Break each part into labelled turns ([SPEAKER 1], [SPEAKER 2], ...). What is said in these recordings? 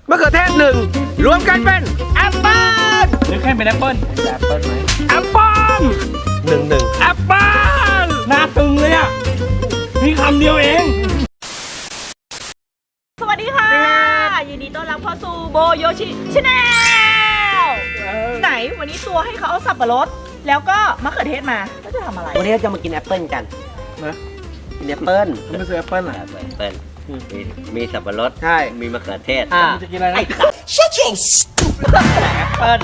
[SPEAKER 1] มะเขือเทศหนึ่งรวมกันเป็นแอปเปิ้ล
[SPEAKER 2] หรือแค่เป็นแอปเปิ้ล
[SPEAKER 3] แอปเปิ้ลไหม
[SPEAKER 2] แอปเปิ้ล
[SPEAKER 1] หนึ่ง
[SPEAKER 2] แอปเปิ้ลหน้าตึงเลยอ่ะมีคำเดียวเอง
[SPEAKER 4] สวัสดีค่ะ ยินดีต้อนรับเข้าสู่โบโยชิชาแนลไหนวันนี้ตัวให้เขาเอาสับปะรดแล้วก็มะเขือเทศมาก็จะทำอะไร
[SPEAKER 3] วันนี้เราจะมากินแอปเปิ้ลกัน
[SPEAKER 1] นะ
[SPEAKER 3] กินแอปเปิ้ล
[SPEAKER 1] มันไม่ซื้อแอปเปิ้ลเหรอ
[SPEAKER 3] แอปเปิ้ลมีสับปะรด
[SPEAKER 1] ใช่
[SPEAKER 3] มีมะเขือเทศ
[SPEAKER 1] มันจะกินอะไรนะ
[SPEAKER 3] แอปเปิ้ล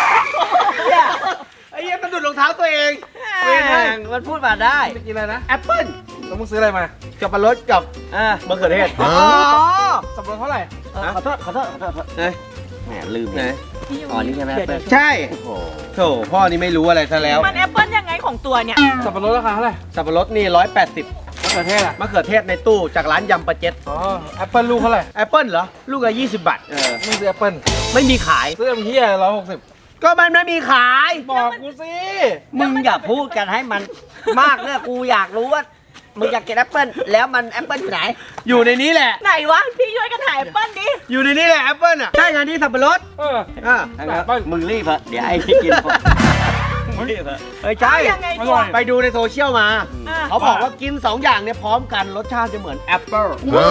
[SPEAKER 1] ไอ้เหี้ยมันดูดรองเท้าตัวเอง
[SPEAKER 3] แม่งมันพูดมาได้
[SPEAKER 1] จะกินอะไรนะแอปเปิ้ลแล้วมึงซื้ออะไรมาสับปะรดกับ มะเขือเทศ
[SPEAKER 3] อ๋อ
[SPEAKER 1] สับปะรดเท่าไหร่
[SPEAKER 3] ขอโทษแหมลืม
[SPEAKER 1] ไหน
[SPEAKER 3] อ๋อนี่ใช่ไหมแอปเปิ้ล
[SPEAKER 1] ใช่
[SPEAKER 3] โอ้โห
[SPEAKER 1] โถพ่อนี่ไม่รู้อะไรซะแล้ว
[SPEAKER 4] มันแอปเปิ้ลยังไงของตัวเนี่ย
[SPEAKER 1] สับปะรดราคาเท่าไหร่สับปะรดนี่180มะเขือเทศอะมะเขือเทศในตู้จากร้านยำปะเจ็ดอ๋อแอปเปิ้ลลูกเท่าไหร่แอปเปิ้ลเหรอลูกละ20 บาทไม่ซื้อแอปเปิ้ลไม่มีขายซื้อเฮีย160ก็มันไม่มีขายบอกกูสิ
[SPEAKER 3] มึงอย่าพูดกันให้มันมากเลยกูอยากรู้ว่ามึงอยากกินแอปเปิ้ลแล้วมันแอปเปิ้ลอยู่ไหน
[SPEAKER 1] อยู่ในนี้แหละ
[SPEAKER 4] ไหนวะพี่ช่วยกันถ่ายแอปเปิ้ลดิ
[SPEAKER 1] อยู่ในนี้แหละแอปเปิ้ลอ่ะใช่งานที่สับปะรดอ่า
[SPEAKER 3] มึงรีบเถอะเดี๋ยวไอ้ที่กินหมดมึงรีบเถอะ
[SPEAKER 1] เอ้ยใช่
[SPEAKER 4] ยังไงตัว
[SPEAKER 1] ไปดูในโซเชียลมา
[SPEAKER 4] อ่ะ
[SPEAKER 1] เขาบอกว่ากิน 2 อย่างเนี่ยพร้อมกันรสชาติจะเหมือนแอปเปิ้ล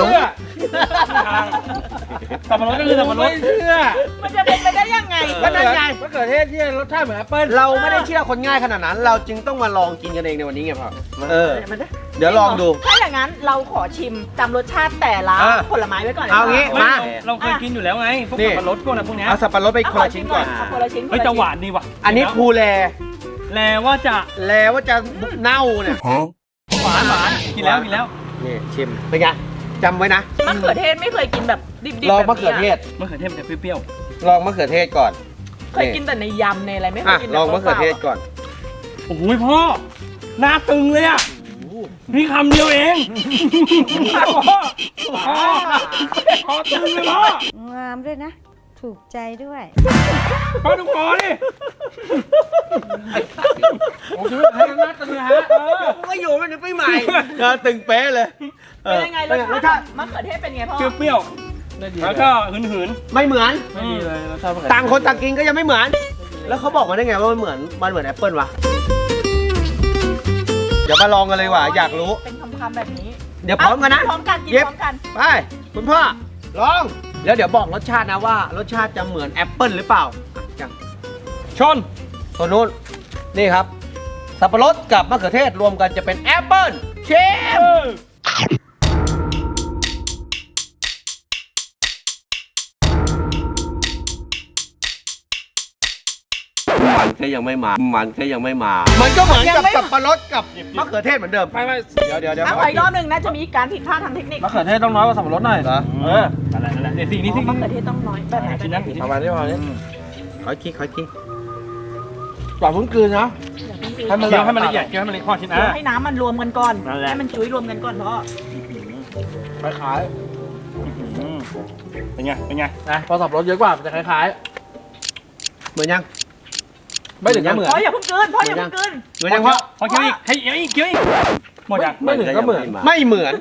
[SPEAKER 2] สับปะรดก็คือสับปะรด
[SPEAKER 4] มันจะเป็นไปได้ยังไง
[SPEAKER 1] ก็นั่นไงมะเขือเทศที่รสชาติเหมือนแอปเปิ้ลเราไม่ได้เชื่อคนง่ายขนาดนั้น เราจึงต้องมาลองกินกันเองในวันนี้ไงพ่อเดี๋ยวลองดู
[SPEAKER 4] ถ้าอย่างนั้นเราขอชิมจำรสชาติแต่ละ
[SPEAKER 1] อ่ะ
[SPEAKER 4] ผลไม้ไว้ก่อนนะ
[SPEAKER 1] เอางี้
[SPEAKER 4] คะ
[SPEAKER 2] เราเคยกินอยู่แล้วไงพวก
[SPEAKER 1] นี่
[SPEAKER 2] สับปะรดพวกอะไรพวกเนี้ย
[SPEAKER 1] เอาสับปะรดไปคนละชิ้นก่อน
[SPEAKER 4] เอาคนละชิ้น
[SPEAKER 2] เฮ้ยจะหวานดีว่ะ
[SPEAKER 1] อันนี้ภูแล
[SPEAKER 2] แลว่าจะ
[SPEAKER 1] แลว่าจะเน่าเนี่ย
[SPEAKER 2] หวานกินแล้ว
[SPEAKER 1] นี่ชิมเป็นไงจำไว้นะ
[SPEAKER 4] มะเขือเทศไม่เคยกินแบบดิบๆ
[SPEAKER 1] ลอง
[SPEAKER 4] แบบ
[SPEAKER 1] มะเขือเทศ
[SPEAKER 2] มะเขือเทศมันจะเปรี้ยว
[SPEAKER 1] ลองมะเขือเทศก่อน
[SPEAKER 4] เคยกินแต่ในยำในอะไรไม่เค
[SPEAKER 1] อ่ะ
[SPEAKER 4] ยกิน
[SPEAKER 1] ลองมะเขือเทศก่อน
[SPEAKER 2] ๆโอ้โหพ่อหน้าตึงเลยอ่ะมีคำเดียวเองพ่อตึงเลยพ่อง
[SPEAKER 5] ามด้วยนะ ถูกใจด้วย
[SPEAKER 2] พ่อดูคอดิ
[SPEAKER 1] ผมคิดว่าให้หน้าตึงนะฮะกูก็อยู่มันปีใหม่ตึงเป๊ะเลย
[SPEAKER 4] เป็นยังไงรสชาติมะเขือเทศเป็นไงพ่อ
[SPEAKER 2] เปรี้ยวๆแล้วก็หืน
[SPEAKER 1] ไม่เหมือน
[SPEAKER 2] ๆไม่ดีเลยรสชาติ
[SPEAKER 1] ต่างคนต่างกินก็ยังไม่เหมือน แล้วเขาบอกมาได้ไงว่ามันเหมือนแอปเปิ้ลวะเดี๋ยวมาลองกันเลยว่ะอยากรู้
[SPEAKER 4] เป็นคำๆแบบนี้
[SPEAKER 1] เดี๋ยวพร้อมกันนะ
[SPEAKER 4] พร้อมกันกิน
[SPEAKER 1] เย็บ
[SPEAKER 4] พร้อมกัน
[SPEAKER 1] ไปคุณพ่อลองแล้วเดี๋ยวบอกรสชาตินะว่ารสชาติจะเหมือนแอปเปิ้ลหรือเปล่าอ่ะจัง
[SPEAKER 2] ชน
[SPEAKER 1] ตัวนู้นนี่ครับสับปะรดกับมะเขือเทศรวมกันจะเป็นแอปเปิ้ลเชฟมันก็ยังไม่มามันก็เหมือนกับสับปะรดกับมะเขือเทศเหมือนเดิมไม่เดี๋ยว
[SPEAKER 4] ถ้าขออีกรอบหนึ่งนะจะมีการผิดพลาดทางเทคนิค
[SPEAKER 1] มะเขือเทศต้องน้อยกว่าสับปะรดหน่อยเหรอ
[SPEAKER 2] นั่นแหละเดี๋ยวสิ่งนี้สิ่ง
[SPEAKER 4] มะ
[SPEAKER 2] นี้
[SPEAKER 4] เขือเทศต้องน้อยแบบไหน
[SPEAKER 2] ชิ้นนั้นชิ้น
[SPEAKER 1] ประมาณ
[SPEAKER 2] นี้
[SPEAKER 1] นี้ขอคิดกว่าพุ่งคืนนะ ให้มัน
[SPEAKER 2] เคี้ยวให้มันละเอียดเคี้ยวให้มันละเอียดข้อชิ้น
[SPEAKER 4] ให้น้ำมันรวมกันก่อน
[SPEAKER 2] นั่นแหละ
[SPEAKER 4] ให้มันจุ้ยรวมกันก่อนพ่อ
[SPEAKER 1] คล้าย
[SPEAKER 2] เป็นไง
[SPEAKER 1] ๆนะพอสับปะรดเยอะกว่ามันจะคล้ายๆเหมือนยังไม่ถึงก็เหมือน
[SPEAKER 4] พ่ออย่าเพิ่งกลืนพ่ออย่าเพิ่งกลืน
[SPEAKER 1] เหมือนยังพ่อ
[SPEAKER 2] พอเคี้ยวอีกให้เคี้ยวอีกหมดยัง
[SPEAKER 1] ไม่ถึงก็เหมือนไม่เหมือน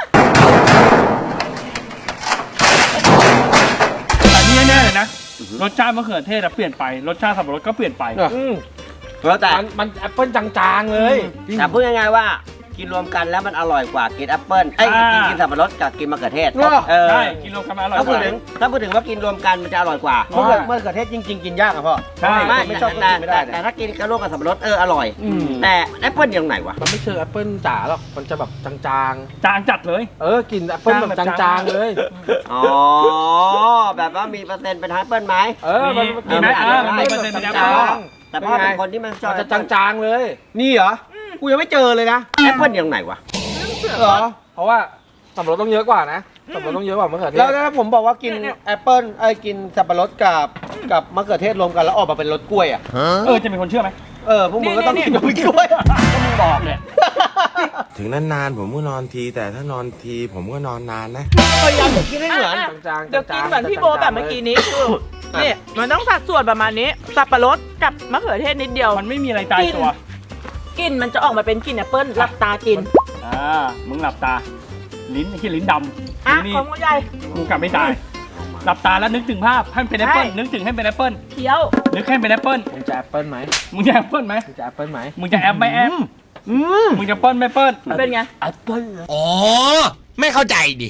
[SPEAKER 2] แต่นี่แน่ๆเลยนะรสชาติมะเขือเทศเปลี่ยนไปรสชาติสับปะรดก็เปลี่ยนไป
[SPEAKER 3] แล้วแต่
[SPEAKER 1] มันแอปเปิ้ลจางๆเลย
[SPEAKER 3] แต่พูดง่ายๆว่ากินรวมกันแล้วมันอร่อยกว่ากินแอปเปิ้ลกินสับปะรดกับกินมะเขือเทศ
[SPEAKER 2] ใช่กินรวมกันมาอร่อย
[SPEAKER 3] ถ้าก พูด
[SPEAKER 2] ว่า
[SPEAKER 3] ถึงว่ากินรวมกันมันจะอร่อยกว่า
[SPEAKER 1] มะเขือเทศจริงๆกินยากอะพ่อ
[SPEAKER 2] ใช่
[SPEAKER 1] ไม่ชอบก็กินไม่ได้
[SPEAKER 3] แต่ถ้ากินกับร่วมกับสับปะรดอร่อย แต่แอปเปิ้ลยังไงวะ
[SPEAKER 6] มันไม่เชิงแอปเปิ้ลจ๋าหรอก มันจะแบบจาง
[SPEAKER 2] จางจัดเลย
[SPEAKER 6] ๆ กินแอปเปิ้ลแบบจางๆเลย
[SPEAKER 3] อ๋อแบบว่ามีเปอร์เซ็นต์เป็นแอปเปิ้ลไหม
[SPEAKER 6] มัน
[SPEAKER 2] มีไหม
[SPEAKER 3] ไม่
[SPEAKER 2] มีเปอร์เซ็นต์เป็นแอป
[SPEAKER 3] จา
[SPEAKER 2] เปิ้ล
[SPEAKER 3] งแต่พ่อเป็นคนที่มันชอบ
[SPEAKER 6] มันจะจางๆเลย
[SPEAKER 1] นี่เหรอกูยังไม่เจอเลยนะ
[SPEAKER 3] แอปเปิ้ลยังไงวะ
[SPEAKER 1] เหรอ
[SPEAKER 6] เพราะว่าสับปะรดต้องเยอะกว่านะ สับปะรดต้องเยอะกว่ามะเขือเท
[SPEAKER 1] แล้ว
[SPEAKER 6] ศ
[SPEAKER 1] ถ้าผมบอกว่ากินแอปเปิ้ลกินสับปะรดกับมะเขือเทศรวมกันแล้วออกมาเป็นรสกล้วยอ่ะ
[SPEAKER 2] จะมีคนเชื่อไหม
[SPEAKER 1] พวกมึงก็ต้องกินกับกล้วย
[SPEAKER 2] ก็มึงบอกเนี่ย
[SPEAKER 7] ถึงนานๆผมก็นอนที แต่ถ้านอนทีผมก็นอนนานนะ
[SPEAKER 1] พยายามจะกินให้เหมือน
[SPEAKER 6] จางๆ
[SPEAKER 4] เดี๋ยวกินเหมือนพี่โบแบบเมื่อกี้นี้คือ
[SPEAKER 1] อ่ะ
[SPEAKER 4] นี่มันต้องสัดส่วนประมาณนี้สับปะรดกับมะเขือเทศนิดเดียว
[SPEAKER 2] มันไม่มีอะไรตายตัว
[SPEAKER 4] กลิ่นมันจะออกมาเป็นกลิ่นแอปเปิ้ลหลับตากิน
[SPEAKER 2] มึงหลับตาลิ้นที่ลิ้นดำ
[SPEAKER 4] อ่ะ
[SPEAKER 2] นี่
[SPEAKER 4] ของคุณยาย
[SPEAKER 2] มึงกลับไม่ตายหลับตาแล้วนึกถึงภาพให้มันเป็นแอปเปิ้ล
[SPEAKER 4] ใช่
[SPEAKER 2] นึกถึงให้เป็นแอปเปิ้ล
[SPEAKER 4] เคี้ยว
[SPEAKER 2] นึกให้เป็นแอปเปิ้ล
[SPEAKER 6] มึงจะแอปเปิ้ลไหม
[SPEAKER 2] มึงจะแอปเปิ้ลไหม
[SPEAKER 6] มึงจะแอปเปิ้ลไหม
[SPEAKER 2] มึงจะแอปไม่แอปมึงจะเปิ้ลไม่เปิ้ล
[SPEAKER 4] เป็นไง
[SPEAKER 7] อ๋อ ไม่เข้าใจดิ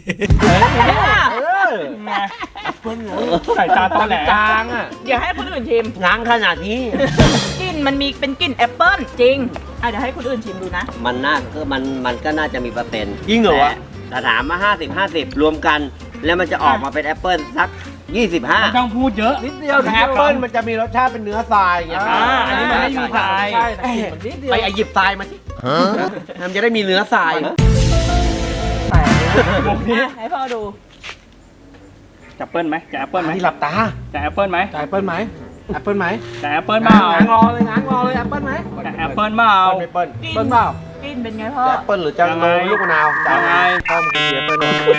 [SPEAKER 2] ไงใส่ตาตอนแหล
[SPEAKER 6] จางอ่ะ
[SPEAKER 4] เดี๋ยวให้คนอื่นชิม
[SPEAKER 3] ง้างขนาดนี้
[SPEAKER 4] กลิ่นมันมีเป็นกลิ่นแอปเปิ้ลจริงเดี๋ยวให้คนอื่นชิมดูนะ
[SPEAKER 3] มันน่าก็มันก็น่าจะมีเปอร์เซ็นต์
[SPEAKER 1] จริงเหรอวะ
[SPEAKER 3] แต่ถามมา50-50 รวมกัน แล้วมันจะออกมาเป็นแอปเปิ้ลสัก
[SPEAKER 2] ไม่
[SPEAKER 3] 25
[SPEAKER 2] ต้องพูดเยอะ
[SPEAKER 6] นิดเดียว
[SPEAKER 1] แอปเปิ้ลมันจะมีรสชาติเป็นเนื้อทรายไง
[SPEAKER 2] อันนี้มันไม่มีทราย
[SPEAKER 6] ใช่แต่กลิ่นมันนิดเดียว
[SPEAKER 1] ไปหยิบทรายมาสิมันจะได้มีเนื้อทราย
[SPEAKER 2] บอกนี้
[SPEAKER 4] ให้พ่อดู
[SPEAKER 2] จะเปิ้ลไหมจะแอปเปิ้ลไหม
[SPEAKER 1] ที่หลับตา
[SPEAKER 2] จะแอปเปิ้ลไหม
[SPEAKER 6] จะแอปเปิ้ลไหมแอปเปิ้ลไหม
[SPEAKER 2] จะแอปเปิ้ลเปล่า
[SPEAKER 6] ง้างงอเลยง้างงอเลยแอปเปิ้ลไหม
[SPEAKER 2] จะแอปเปิ้ลเปล่า
[SPEAKER 1] ไม่เปิ้ล
[SPEAKER 4] กลิ่น
[SPEAKER 6] เปิ้ลเปล่าก
[SPEAKER 4] ลิ่นเป็นไงพ่อ
[SPEAKER 1] จะแอปเปิ้ลหรือจะโนลูกมะนาว
[SPEAKER 2] ยังไง
[SPEAKER 1] ต้มเสียเปิ้ล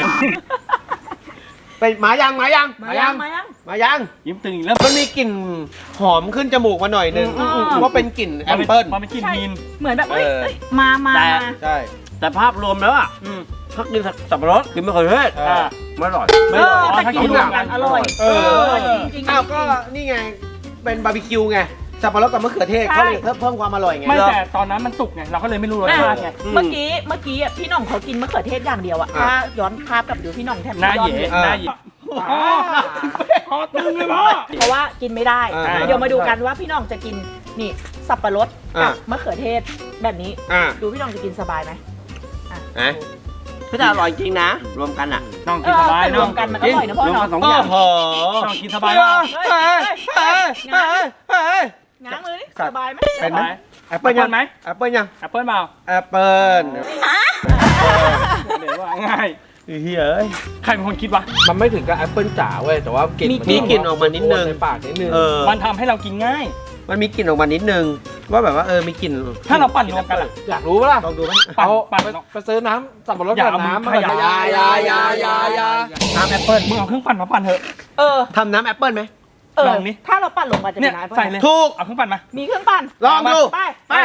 [SPEAKER 1] เป็นหมายัง
[SPEAKER 4] มายัง
[SPEAKER 1] มายัง
[SPEAKER 2] ยิ้มตึงอีกแล้ว
[SPEAKER 1] มันมีกลิ่นหอมขึ้นจมูกมาหน่อยนึง
[SPEAKER 4] อืม
[SPEAKER 1] ว่าเป็นกลิ่นแอปเปิ้ล
[SPEAKER 2] มันเป็นกลิ่นมีน
[SPEAKER 4] เหมือนแบบเอ้ย
[SPEAKER 1] เออ
[SPEAKER 4] เอ้ยมา
[SPEAKER 3] แต่
[SPEAKER 1] ใช่
[SPEAKER 3] แต่ภาพรวมแล้วอ่ะถ้ากินสับปะรดกินมะเขือเทศ
[SPEAKER 1] อ่า
[SPEAKER 3] ไม่อร่อย
[SPEAKER 1] ไม่
[SPEAKER 4] เอ
[SPEAKER 1] หร
[SPEAKER 4] อ
[SPEAKER 1] อก
[SPEAKER 4] แต่
[SPEAKER 2] ถ้ากิ
[SPEAKER 4] กิน
[SPEAKER 2] น
[SPEAKER 4] รวมกันอร่อย
[SPEAKER 1] เออ
[SPEAKER 4] จริงๆ
[SPEAKER 1] อ้าวก็นี่ไงเป็นบาร์บีคิวไงสับปะรดกับมะเขือเทศ
[SPEAKER 4] ใช่
[SPEAKER 1] เขาเลยเพิ่มความอร่อยไง
[SPEAKER 2] ไม่แต่ตอนนั้นมันสุกไงเราก็เลยไม่รู้รสชาติไง
[SPEAKER 4] เมื่อกี้อ่ะพี่หน่องเขากินมะเขือเทศอย่างเดียวอ่ะ
[SPEAKER 1] อ่ะ
[SPEAKER 4] ถ้าย้อนภาพกลับดูพี่หน่องแทบ
[SPEAKER 2] หน้า
[SPEAKER 4] ย้อ
[SPEAKER 2] เหย่
[SPEAKER 4] เลย
[SPEAKER 2] หน้าเหย่พอตึงเลยพ่อ
[SPEAKER 4] เพราะว่ากินไม่ได้
[SPEAKER 1] อ่า
[SPEAKER 4] เดี๋ยวมาดูกันว่าพี่หน่องจะกินนี่สับปะรดกับ
[SPEAKER 1] อ่ะ
[SPEAKER 4] มะเขือเทศแบบนี้
[SPEAKER 1] อ่า
[SPEAKER 4] ดูพี่หน่องจะกินสบายไหมอ่ะ
[SPEAKER 1] ฮะ
[SPEAKER 3] ก็จะอร่อยจริงนะ รวมกันอ่ะ
[SPEAKER 2] น้อง
[SPEAKER 4] เอ
[SPEAKER 2] กิน
[SPEAKER 4] อ
[SPEAKER 2] สบาย
[SPEAKER 4] แต่ร
[SPEAKER 2] น้อ
[SPEAKER 4] ว
[SPEAKER 2] ง
[SPEAKER 4] มกันมันอร่อยนะพ่อ
[SPEAKER 3] รวม
[SPEAKER 4] เนาะ
[SPEAKER 3] กันสองอย่าง
[SPEAKER 1] โอ้โห
[SPEAKER 2] น้องกินสบายเปล่า
[SPEAKER 4] ง้างมือนี่
[SPEAKER 1] สัต
[SPEAKER 4] ส
[SPEAKER 1] ว์
[SPEAKER 4] บายไหม
[SPEAKER 1] เป็นไหม
[SPEAKER 2] แอปเปิ้ลยังไหม
[SPEAKER 1] แอปเปิ้ลยัง
[SPEAKER 2] แอปเปิ้ลเปล่า
[SPEAKER 1] แอปเปิ้ล
[SPEAKER 2] เดี๋ยวว่าง่าย
[SPEAKER 1] เฮ้ย
[SPEAKER 2] ใครเป็นคนคิดวะ
[SPEAKER 6] มันไม่ถึงกับแอปเปิ้ลจ๋าเว้ยแต่ว่ากลิ่น
[SPEAKER 1] มีกลิ่นออกมานิดนึง
[SPEAKER 6] ในปากนิดนึง
[SPEAKER 1] เออ
[SPEAKER 2] มันทำให้เรากินง่าย
[SPEAKER 1] มันมีกลิ่นออกมานิดนึงว่าแบบว่ามีกลิ่น
[SPEAKER 2] ถ้าเราปั่นรวมกันอะ
[SPEAKER 6] อยากรู้ปะล่ะ
[SPEAKER 1] ลองดูไหม
[SPEAKER 2] ปั่น
[SPEAKER 6] เอา
[SPEAKER 2] ปั่น
[SPEAKER 6] ไปซื้อน้ำสับปะรด
[SPEAKER 2] อย่า
[SPEAKER 6] กับ
[SPEAKER 2] เอามือ
[SPEAKER 6] น้ำ
[SPEAKER 2] ขยับ
[SPEAKER 6] ยา
[SPEAKER 1] น้ำแอปเปิ้ล
[SPEAKER 2] มึงเอาเครื่องปั่นมาปั่นเถอะ
[SPEAKER 4] เออ
[SPEAKER 1] ทำน้ำแอปเปิ้ลไหม
[SPEAKER 2] ลองนี่
[SPEAKER 4] ถ้าเราปั่นลงมาจะ
[SPEAKER 2] เนี่
[SPEAKER 4] เป็
[SPEAKER 2] ย
[SPEAKER 4] นน้ำ
[SPEAKER 2] ใส่เลย
[SPEAKER 1] ถูก
[SPEAKER 2] เอาเครื่องปั่นมา
[SPEAKER 4] มีเครื่องปั่น
[SPEAKER 1] ลองดู
[SPEAKER 4] ไป
[SPEAKER 1] ไป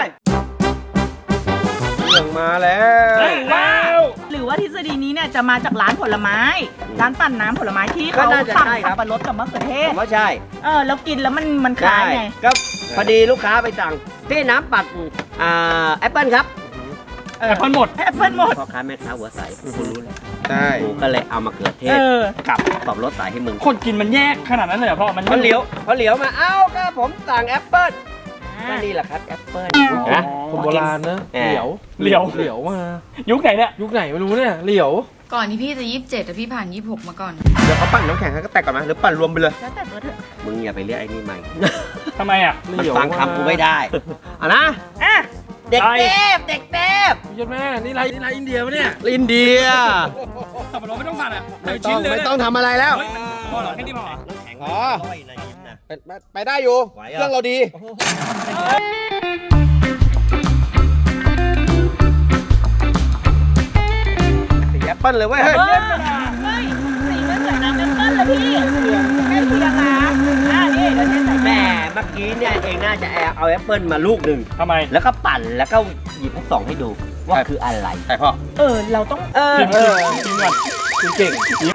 [SPEAKER 1] เรื่องมาแล้ว
[SPEAKER 2] ว้าว
[SPEAKER 4] หรือว่าทฤษฎีนี้เนี่ยจะมาจากร้านผลไม้ ร้านปั่นน้ำผลไม้ที่เขา
[SPEAKER 3] ก็น่าจะ
[SPEAKER 4] สั่ง
[SPEAKER 3] ใช่ครับ
[SPEAKER 4] สับปะรดกับมะเขือเท
[SPEAKER 3] ผ
[SPEAKER 4] ศ
[SPEAKER 3] มว่าใช่
[SPEAKER 4] แล้วกินแล้วมันคล้ายไง
[SPEAKER 3] ก็พอดีลูกค้าไปสั่งพี่น้ำปัดแอปเปิ้ลครับ
[SPEAKER 2] แอปเปิ้ลหมด
[SPEAKER 4] แอปเปิ้ลหมด
[SPEAKER 3] พ่อค้าแม่ค้าหัวใสกูรู้เลย
[SPEAKER 1] ใช่
[SPEAKER 3] กูก็เลยเอามาเขือเทศ
[SPEAKER 4] เออ
[SPEAKER 3] กับสับปะรดใส่ให้มึง
[SPEAKER 2] คนกินมันแยกขนาดนั้นเลยเหรอพ่อมัน
[SPEAKER 3] พอเหลียวมาเอ้าก็ผมสั่งแอปเปิ้ลก็นี่แหละครับแอปเปิ้ลนะ
[SPEAKER 6] คนโบราณนะ
[SPEAKER 3] แหม
[SPEAKER 6] เหลียว
[SPEAKER 2] เหลียว
[SPEAKER 6] เหลียวมา
[SPEAKER 2] ยุคไหนเนี่ย
[SPEAKER 6] ยุคไหนไม่รู้เนี่ยเหลียว
[SPEAKER 8] ก่อนที่พี่จะ27แต่พี่ผ่าน26มาก่อน
[SPEAKER 1] เดี๋ยวเขาปั่นน้ำแข็งให้ก็แตกก่อนไหมหรือปั่นรวมไปเลย
[SPEAKER 4] แล้วแต่ตัวเถอะ
[SPEAKER 3] มึงอย่าไปเรียกไอ้นี่ใหม่
[SPEAKER 2] ทำไมอ่ะ
[SPEAKER 3] มันฟังคำกูไม่ได้
[SPEAKER 1] อ่ะนะ
[SPEAKER 4] อ่ะ
[SPEAKER 3] เด็ก
[SPEAKER 2] ไอ้
[SPEAKER 3] เทพเด็กเทพ
[SPEAKER 6] ยศแม่นี่ไรอินเดียปะเนี่ย
[SPEAKER 1] อินเดีย
[SPEAKER 2] สับปะรดไม่ต้องปั่นอ่ะ
[SPEAKER 1] ไม่
[SPEAKER 2] ชิ้นเลย
[SPEAKER 1] ไม่ต้องทำอะไรแล้ว
[SPEAKER 2] เฮ้ยพอเหรอแค่นี้พอเหรอ
[SPEAKER 1] อ๋อไปได้อยู่
[SPEAKER 3] ไหว
[SPEAKER 1] เครื่องเราดีสีแอปเปิ้ลเลยเว้ย
[SPEAKER 4] เฮ้
[SPEAKER 1] เฮ้
[SPEAKER 4] ย
[SPEAKER 1] ย
[SPEAKER 4] เฮ้ยสีไม่เหมือนน้ำแอปเปิ้ลเลยพี่แค่เพียงนะนี่เดี๋ยวเทใส่
[SPEAKER 3] แม่เมื่อกี้เนี่ยเองน่าจะเอาแอปเปิ้ลมาลูกหนึ่ง
[SPEAKER 2] ทำไม
[SPEAKER 3] แล้วก็ปั่นแล้วก็หยิบให้ส่องให้ดู ว่าคืออะไร
[SPEAKER 1] ใช่พ่อ
[SPEAKER 4] เราต้อง
[SPEAKER 2] ชิมชิมก่อน
[SPEAKER 6] คุณเก่ง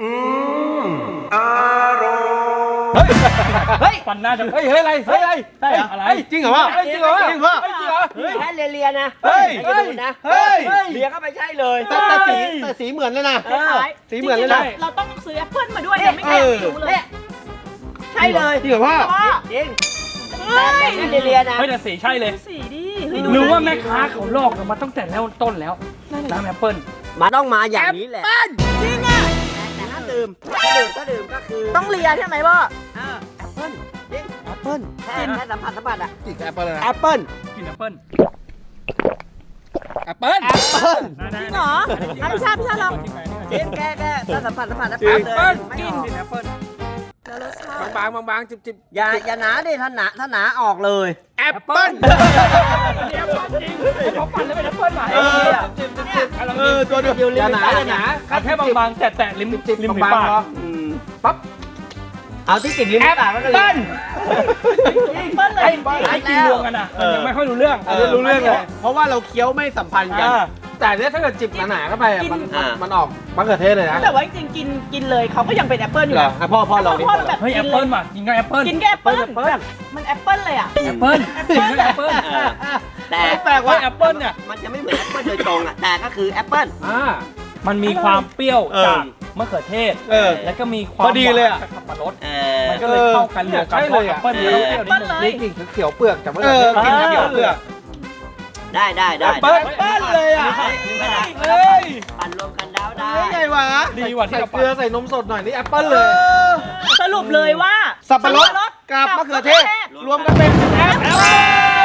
[SPEAKER 3] เฮ้ย
[SPEAKER 2] ปั่นหน้าจะ
[SPEAKER 6] เฮ้ยอะไรเฮ้ยอะไร
[SPEAKER 2] ใช่เหรออะไร
[SPEAKER 1] จริงเหรอพ่อ
[SPEAKER 6] จริงเหรอ
[SPEAKER 1] จริงพ่อ
[SPEAKER 6] จริงเหรอ
[SPEAKER 3] แค่เลียๆนะ
[SPEAKER 1] เฮ้ย
[SPEAKER 3] ไม่ใช่ดูดนะ
[SPEAKER 1] เฮ้ย
[SPEAKER 3] เลียก็ไม่ใช่เลย
[SPEAKER 1] แต่สีเหมือนเลยนะ สีเหมือนเลยนะ
[SPEAKER 4] เราต้องซื้อแอปเปิ้ลมาด้วยนะไม่งั้นไม่รู้เลย
[SPEAKER 3] เนี่ยใช่เลย
[SPEAKER 1] จริงเหรอพ่อ
[SPEAKER 3] จริงแต่แค่เลียๆนะ
[SPEAKER 2] เฮ้ยแต่สีใช่เลย
[SPEAKER 4] สีดี
[SPEAKER 2] หรือว่าแม่ค้าเขาลอกเรามาตั้งแต่แล้วต้นแล้วน้ำแอปเปิ้ล
[SPEAKER 3] มันต้องมาอย่างนี้แหละ
[SPEAKER 4] จริงอ่ะ
[SPEAKER 3] แต่ถ้าดื่มก็คือ
[SPEAKER 4] ต้องเลียใช่ไหมพ่อ
[SPEAKER 3] แอปเปิ้ลจริงแอปเปิ้ลแค่สัมผัสอ่ะ
[SPEAKER 6] จิกแอปเปิ้ลเลยนะ
[SPEAKER 1] แอปเปิ้ล
[SPEAKER 2] กินแอปเปิ้ล
[SPEAKER 6] แอปเปิ้ล
[SPEAKER 1] แอปเปิ้ล
[SPEAKER 4] จริงเหรอพี่ชาติลอง
[SPEAKER 3] จริงแค่ถ้าสัมผัสแล้ว
[SPEAKER 6] จริง
[SPEAKER 3] เลยไม่ออก
[SPEAKER 2] กินแอปเปิ้ล
[SPEAKER 4] แล้วรสชาติ
[SPEAKER 6] บางจิบ
[SPEAKER 3] อย่าหนาดิถ้าหนาออกเลย
[SPEAKER 1] แอปเปิ้ล
[SPEAKER 2] แอปเปิ้ลจริงเขาปั่นแล้วเป็นแอปเปิ้ลใหม่
[SPEAKER 1] ตัวเดียว
[SPEAKER 6] อย่าหนาอย่าหนา
[SPEAKER 2] เอาแค่บางๆแตะริมริมฝี
[SPEAKER 6] บาง
[SPEAKER 2] ปาก
[SPEAKER 6] ๆเหรอ
[SPEAKER 3] ปั๊บเอาที่ติดลิ้นปากแล้วเลย
[SPEAKER 2] เปิ้ล
[SPEAKER 4] เปิ้ลเลย
[SPEAKER 2] ไอ้กินรวมกันอ่ะมันยังไม่ค่อยรู้เรื่อง
[SPEAKER 6] รู้เรื่องเลย
[SPEAKER 1] เพราะว่าเราเคี้ยวไม่สัมพันธ์กัน
[SPEAKER 2] อ่า
[SPEAKER 6] แต่เนี่ยถ้าเกิดจิบหนาๆเข้าไปอะมันออกมะเขือเทศเลยนะ
[SPEAKER 4] แต่ว่าจริงๆกินเลยเขาก็ยังเป็นแอปเปิลอยู่
[SPEAKER 1] เหรอ
[SPEAKER 4] นะ
[SPEAKER 1] อ่ะพ่อลองดิ
[SPEAKER 4] พ่อแบบ
[SPEAKER 2] เฮ้ยแอปเปิ้ลว่ะกินกับแอปเปิ้ล
[SPEAKER 4] กินแค่แอปเปิลแบบมันแอปเปิลเลยอ่ะ
[SPEAKER 2] แอปเปิ้ลกินกับแอปเปิ้ล
[SPEAKER 3] แต่
[SPEAKER 1] แปลกว่า
[SPEAKER 2] แอปเปิ้ลเนี่ย
[SPEAKER 3] มันจะไม่เหมือนแอปเปิลโดยตรงอ่ะแต่ก็คือแอปเปิล
[SPEAKER 2] มันมีความเปรี้ยว
[SPEAKER 1] เออ
[SPEAKER 2] จากมะเขือเทศ
[SPEAKER 1] เออ
[SPEAKER 2] แล้วก็มีความ
[SPEAKER 1] พอดีเลยอะ
[SPEAKER 2] หวานจากสับปะรด
[SPEAKER 3] มั
[SPEAKER 2] มันก็เลยเข้ากันรวมกัน
[SPEAKER 6] ใช่
[SPEAKER 2] เพ
[SPEAKER 6] เล
[SPEAKER 2] ราะ
[SPEAKER 6] ย
[SPEAKER 2] แอ
[SPEAKER 6] อะ
[SPEAKER 2] ปเปิ้ลเนี่ยต้องเปรี้ยวนิดนึง
[SPEAKER 6] นี่กลิ่นเขียวเปลือกจากมะ
[SPEAKER 1] เอ
[SPEAKER 6] เขือ
[SPEAKER 1] อ
[SPEAKER 6] เทศ
[SPEAKER 1] กินกับเขียวเปลือก
[SPEAKER 3] ได้
[SPEAKER 1] แอปเปิ้ลเลยอ่ะ เฮ้ย
[SPEAKER 3] ปั่นรวมกันแล้วได้
[SPEAKER 1] ได้ไงวะ
[SPEAKER 2] ดีกว่าที่
[SPEAKER 6] ใส่
[SPEAKER 2] เรา
[SPEAKER 6] เกลือใส่นมสดหน่อยนี่แอปเปิ้ลเลย
[SPEAKER 4] สรุปเลยว่า
[SPEAKER 1] สับปะรดกับมะเขือเทศ รวมกันเป็นแอปเปิ้ล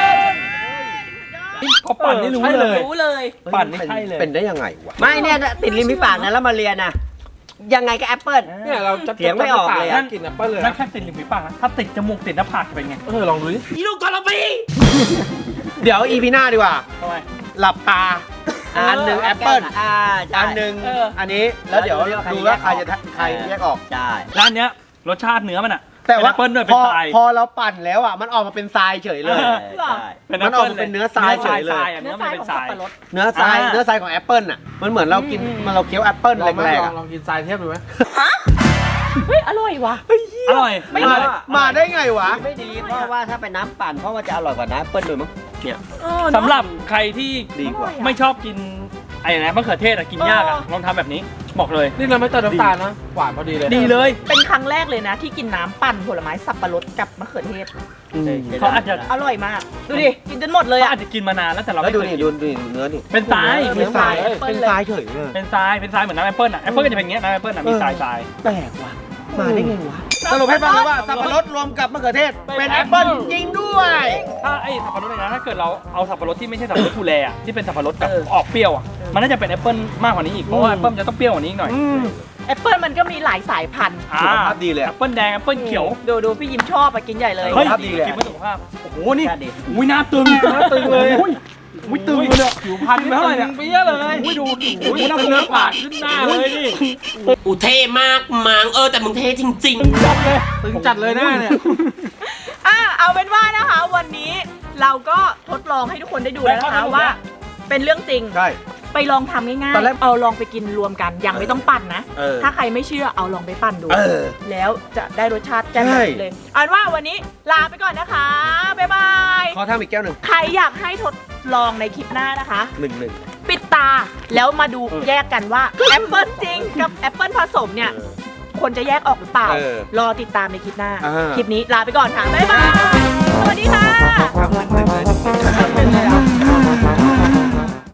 [SPEAKER 2] เขาปั่นนี่รู้
[SPEAKER 6] ใช่
[SPEAKER 2] เล
[SPEAKER 6] เลย ย
[SPEAKER 4] รู้เลย
[SPEAKER 2] ปั่นนี่ใช่เลย
[SPEAKER 1] เป็นได้ยังไงวะ
[SPEAKER 3] ไม่เนี่ยติดริมฝีปากนะแล้วมาเรียนนะยังไงก็แอปเปิล
[SPEAKER 6] เนี่ยเราจะ
[SPEAKER 3] เถียงไม่ออกเลยอะ
[SPEAKER 6] กลิ่นแอปเปิ้ลเลย
[SPEAKER 2] นั่นแค่ติดริมฝีปากนะถ้าติดจมูกติดหน้าผากจะเป็นไง
[SPEAKER 6] ลองดูดิ
[SPEAKER 1] เดี๋ยวอีพีหน้าดีกว่า
[SPEAKER 2] ทำไม
[SPEAKER 1] หลับตา อันหนึ่งแอปเปิ้ล
[SPEAKER 3] ใช่
[SPEAKER 1] อันหนึ่ง
[SPEAKER 2] เออ
[SPEAKER 1] อันนี้ แล้วเดี๋ยวดูว่าใครจะใครแยกออก
[SPEAKER 3] ใช่
[SPEAKER 2] ร้านเนี้ยรสชาติเนื้อมันอะ
[SPEAKER 1] แต่ว่า
[SPEAKER 2] แอปเปิ้ลด้วย
[SPEAKER 1] พ
[SPEAKER 2] เป็น
[SPEAKER 1] อ
[SPEAKER 2] ทราย
[SPEAKER 1] พอเราปั่นแล้วอ่ะ มันออกมาเป็นทรายเฉยเลย
[SPEAKER 3] ใช่
[SPEAKER 1] มันออกมาเป็นเนื้อทรายเฉยเลย
[SPEAKER 2] เนื้
[SPEAKER 4] เนื้
[SPEAKER 2] อ
[SPEAKER 4] อ
[SPEAKER 2] มัน
[SPEAKER 4] ทราย
[SPEAKER 2] เป็น
[SPEAKER 4] ของ
[SPEAKER 2] ท
[SPEAKER 4] สั
[SPEAKER 2] รา
[SPEAKER 4] บ
[SPEAKER 2] ย
[SPEAKER 4] ปะรด
[SPEAKER 1] เนื้อทรายเนื้อทรายของแอปเปิ้ลอ่ะ มันเหมือนเรากินมันเราเคี้ยวแอปเปิ้ล
[SPEAKER 6] ลองไหม
[SPEAKER 1] แรกๆ
[SPEAKER 6] ล
[SPEAKER 1] อ่ะ
[SPEAKER 6] องกินทรายเทียบดูไหม
[SPEAKER 4] เฮ้ยอร่อยว่ะ
[SPEAKER 2] อร่อย
[SPEAKER 4] ไม่
[SPEAKER 1] มาได้ไงวะ
[SPEAKER 3] ไม่ดีเพราะว่าถ้าเป็นน้ำปั่นเพราะว่าจะอร่อยกว่าน้ำแอปเปิ้ลเลยมั้งเนี่ย
[SPEAKER 2] สำหรับใครที่
[SPEAKER 1] ดีกว่า
[SPEAKER 2] ไม่ชอบกินไอ้นะมะเขือเทศอะกินยากอะลองทำแบบนี้บอกเลย
[SPEAKER 6] นี่เราไม่เติมน้ำตาลนะหวานพอดีเลย
[SPEAKER 2] ดีเลย
[SPEAKER 4] เป็นครั้งแรกเลยนะ ที่กินน้ำปั่นผลไม้สับปะรดกับมะเขือเทศ
[SPEAKER 2] เขาอาจจะ
[SPEAKER 4] อร่อยมาก ดูดิ กินจนหมดเลย
[SPEAKER 2] เขา
[SPEAKER 4] อ่ะ
[SPEAKER 2] อาจจะกินมานานแล้วแต่เรา
[SPEAKER 1] แล้ว
[SPEAKER 2] ไม่
[SPEAKER 1] ดู
[SPEAKER 2] เคย
[SPEAKER 1] นี่
[SPEAKER 2] กิน
[SPEAKER 1] ดูเนื้อนี่
[SPEAKER 2] เป็นทราย
[SPEAKER 1] เป็นทรายเป็นทรายเฉยเลย
[SPEAKER 2] เป็นทรายเหมือนน้ำแอปเปิ้ลอะแอปเปิ้ลก็จะเป็นอย่างเงี้ยน้ำแอปเปิ้ลอะมีทราย
[SPEAKER 1] แปลกว่ะ มาได้ไงวะ สรุปให้ฟังเลยว่าสับปะรดรวมกับมะเขือเทศ เป็นแอปเปิ้ลจริงด้วย
[SPEAKER 2] ถ้าไอ้สับปะรดเลยนะถ้าเกิดเราเอาสับปะรดที่ไม่ใช่สับปะรดฟูแลอะที่เป็นสับปะรดกับออกเปรี้ยวอะมันน่าจะเป็นแอปเปิ้ลมากกว่านี้อีกเพราะว่าแอปเปิ้ลมันจะต้องเปรี้ยวกว่านี้อีกหน่อย
[SPEAKER 4] แอปเปิลมันก็มีหลายสายพันธุ์
[SPEAKER 1] สุขภาพดีเลย
[SPEAKER 2] แอ
[SPEAKER 1] อะ
[SPEAKER 2] ปเปิ้ลแดงแอปเปิ้ลเขียว
[SPEAKER 4] ดูพี่ยิ้มชอบอะกินใหญ่เลย
[SPEAKER 2] เฮ้ย
[SPEAKER 1] สุขภาพดีเลย
[SPEAKER 2] กินเพื่อสุขภาพโอ้โหนี่
[SPEAKER 3] ใช่ดิ
[SPEAKER 2] อุ้ยหน้าตึงเลยอุ้ยตึงเลยเนี่ยผิวพรรณไม่เท่าไหร่เนี่ยเปี้ยเลยอุ้ยดูอุ้ยหน้าเนื้อปากขึ้นหน้าเลยนี่
[SPEAKER 9] อูเท่มากมังแต่มึงเท่จริงๆ
[SPEAKER 2] จับเลย
[SPEAKER 6] ตึงจัดเลยหน้าเนี่ย
[SPEAKER 4] เอาเป็นว่านะคะ วันนี้เราก็ทดลองให้ทุกคนได้ดูแล้วนะคะว่า เป็นเรื่องจริง
[SPEAKER 1] ใช่
[SPEAKER 4] ไปลองทำง่าย
[SPEAKER 1] ตอนแรก
[SPEAKER 4] ๆเอาลองไปกินรวมกันยังไม่ต้องปั่นนะ
[SPEAKER 1] เออ
[SPEAKER 4] ถ้าใครไม่เชื่อเอาลองไปปั่นดู
[SPEAKER 1] เออ
[SPEAKER 4] แล้วจะได้รสชาติแจ่มแบบนี้เลยเอาเป็นว่าวันนี้ลาไปก่อนนะคะ บ๊ายบาย
[SPEAKER 1] ขอทำอีกแก้วหนึ่ง
[SPEAKER 4] ใครอยากให้ทดลองในคลิปหน้านะคะ
[SPEAKER 1] หนึ่ง
[SPEAKER 4] ปิดตาแล้วมาดูแยกกันว่าแอปเปิลจริงกับแอปเปิลผสมเนี่ย คนจะแยกออกหรือเปล่า รอติดตามในคลิปหน้า คลิปนี้ลาไปก่อนค่ะ บ๊ายบาย สวัสดีค่ะ
[SPEAKER 1] ทำหนึ่งเลย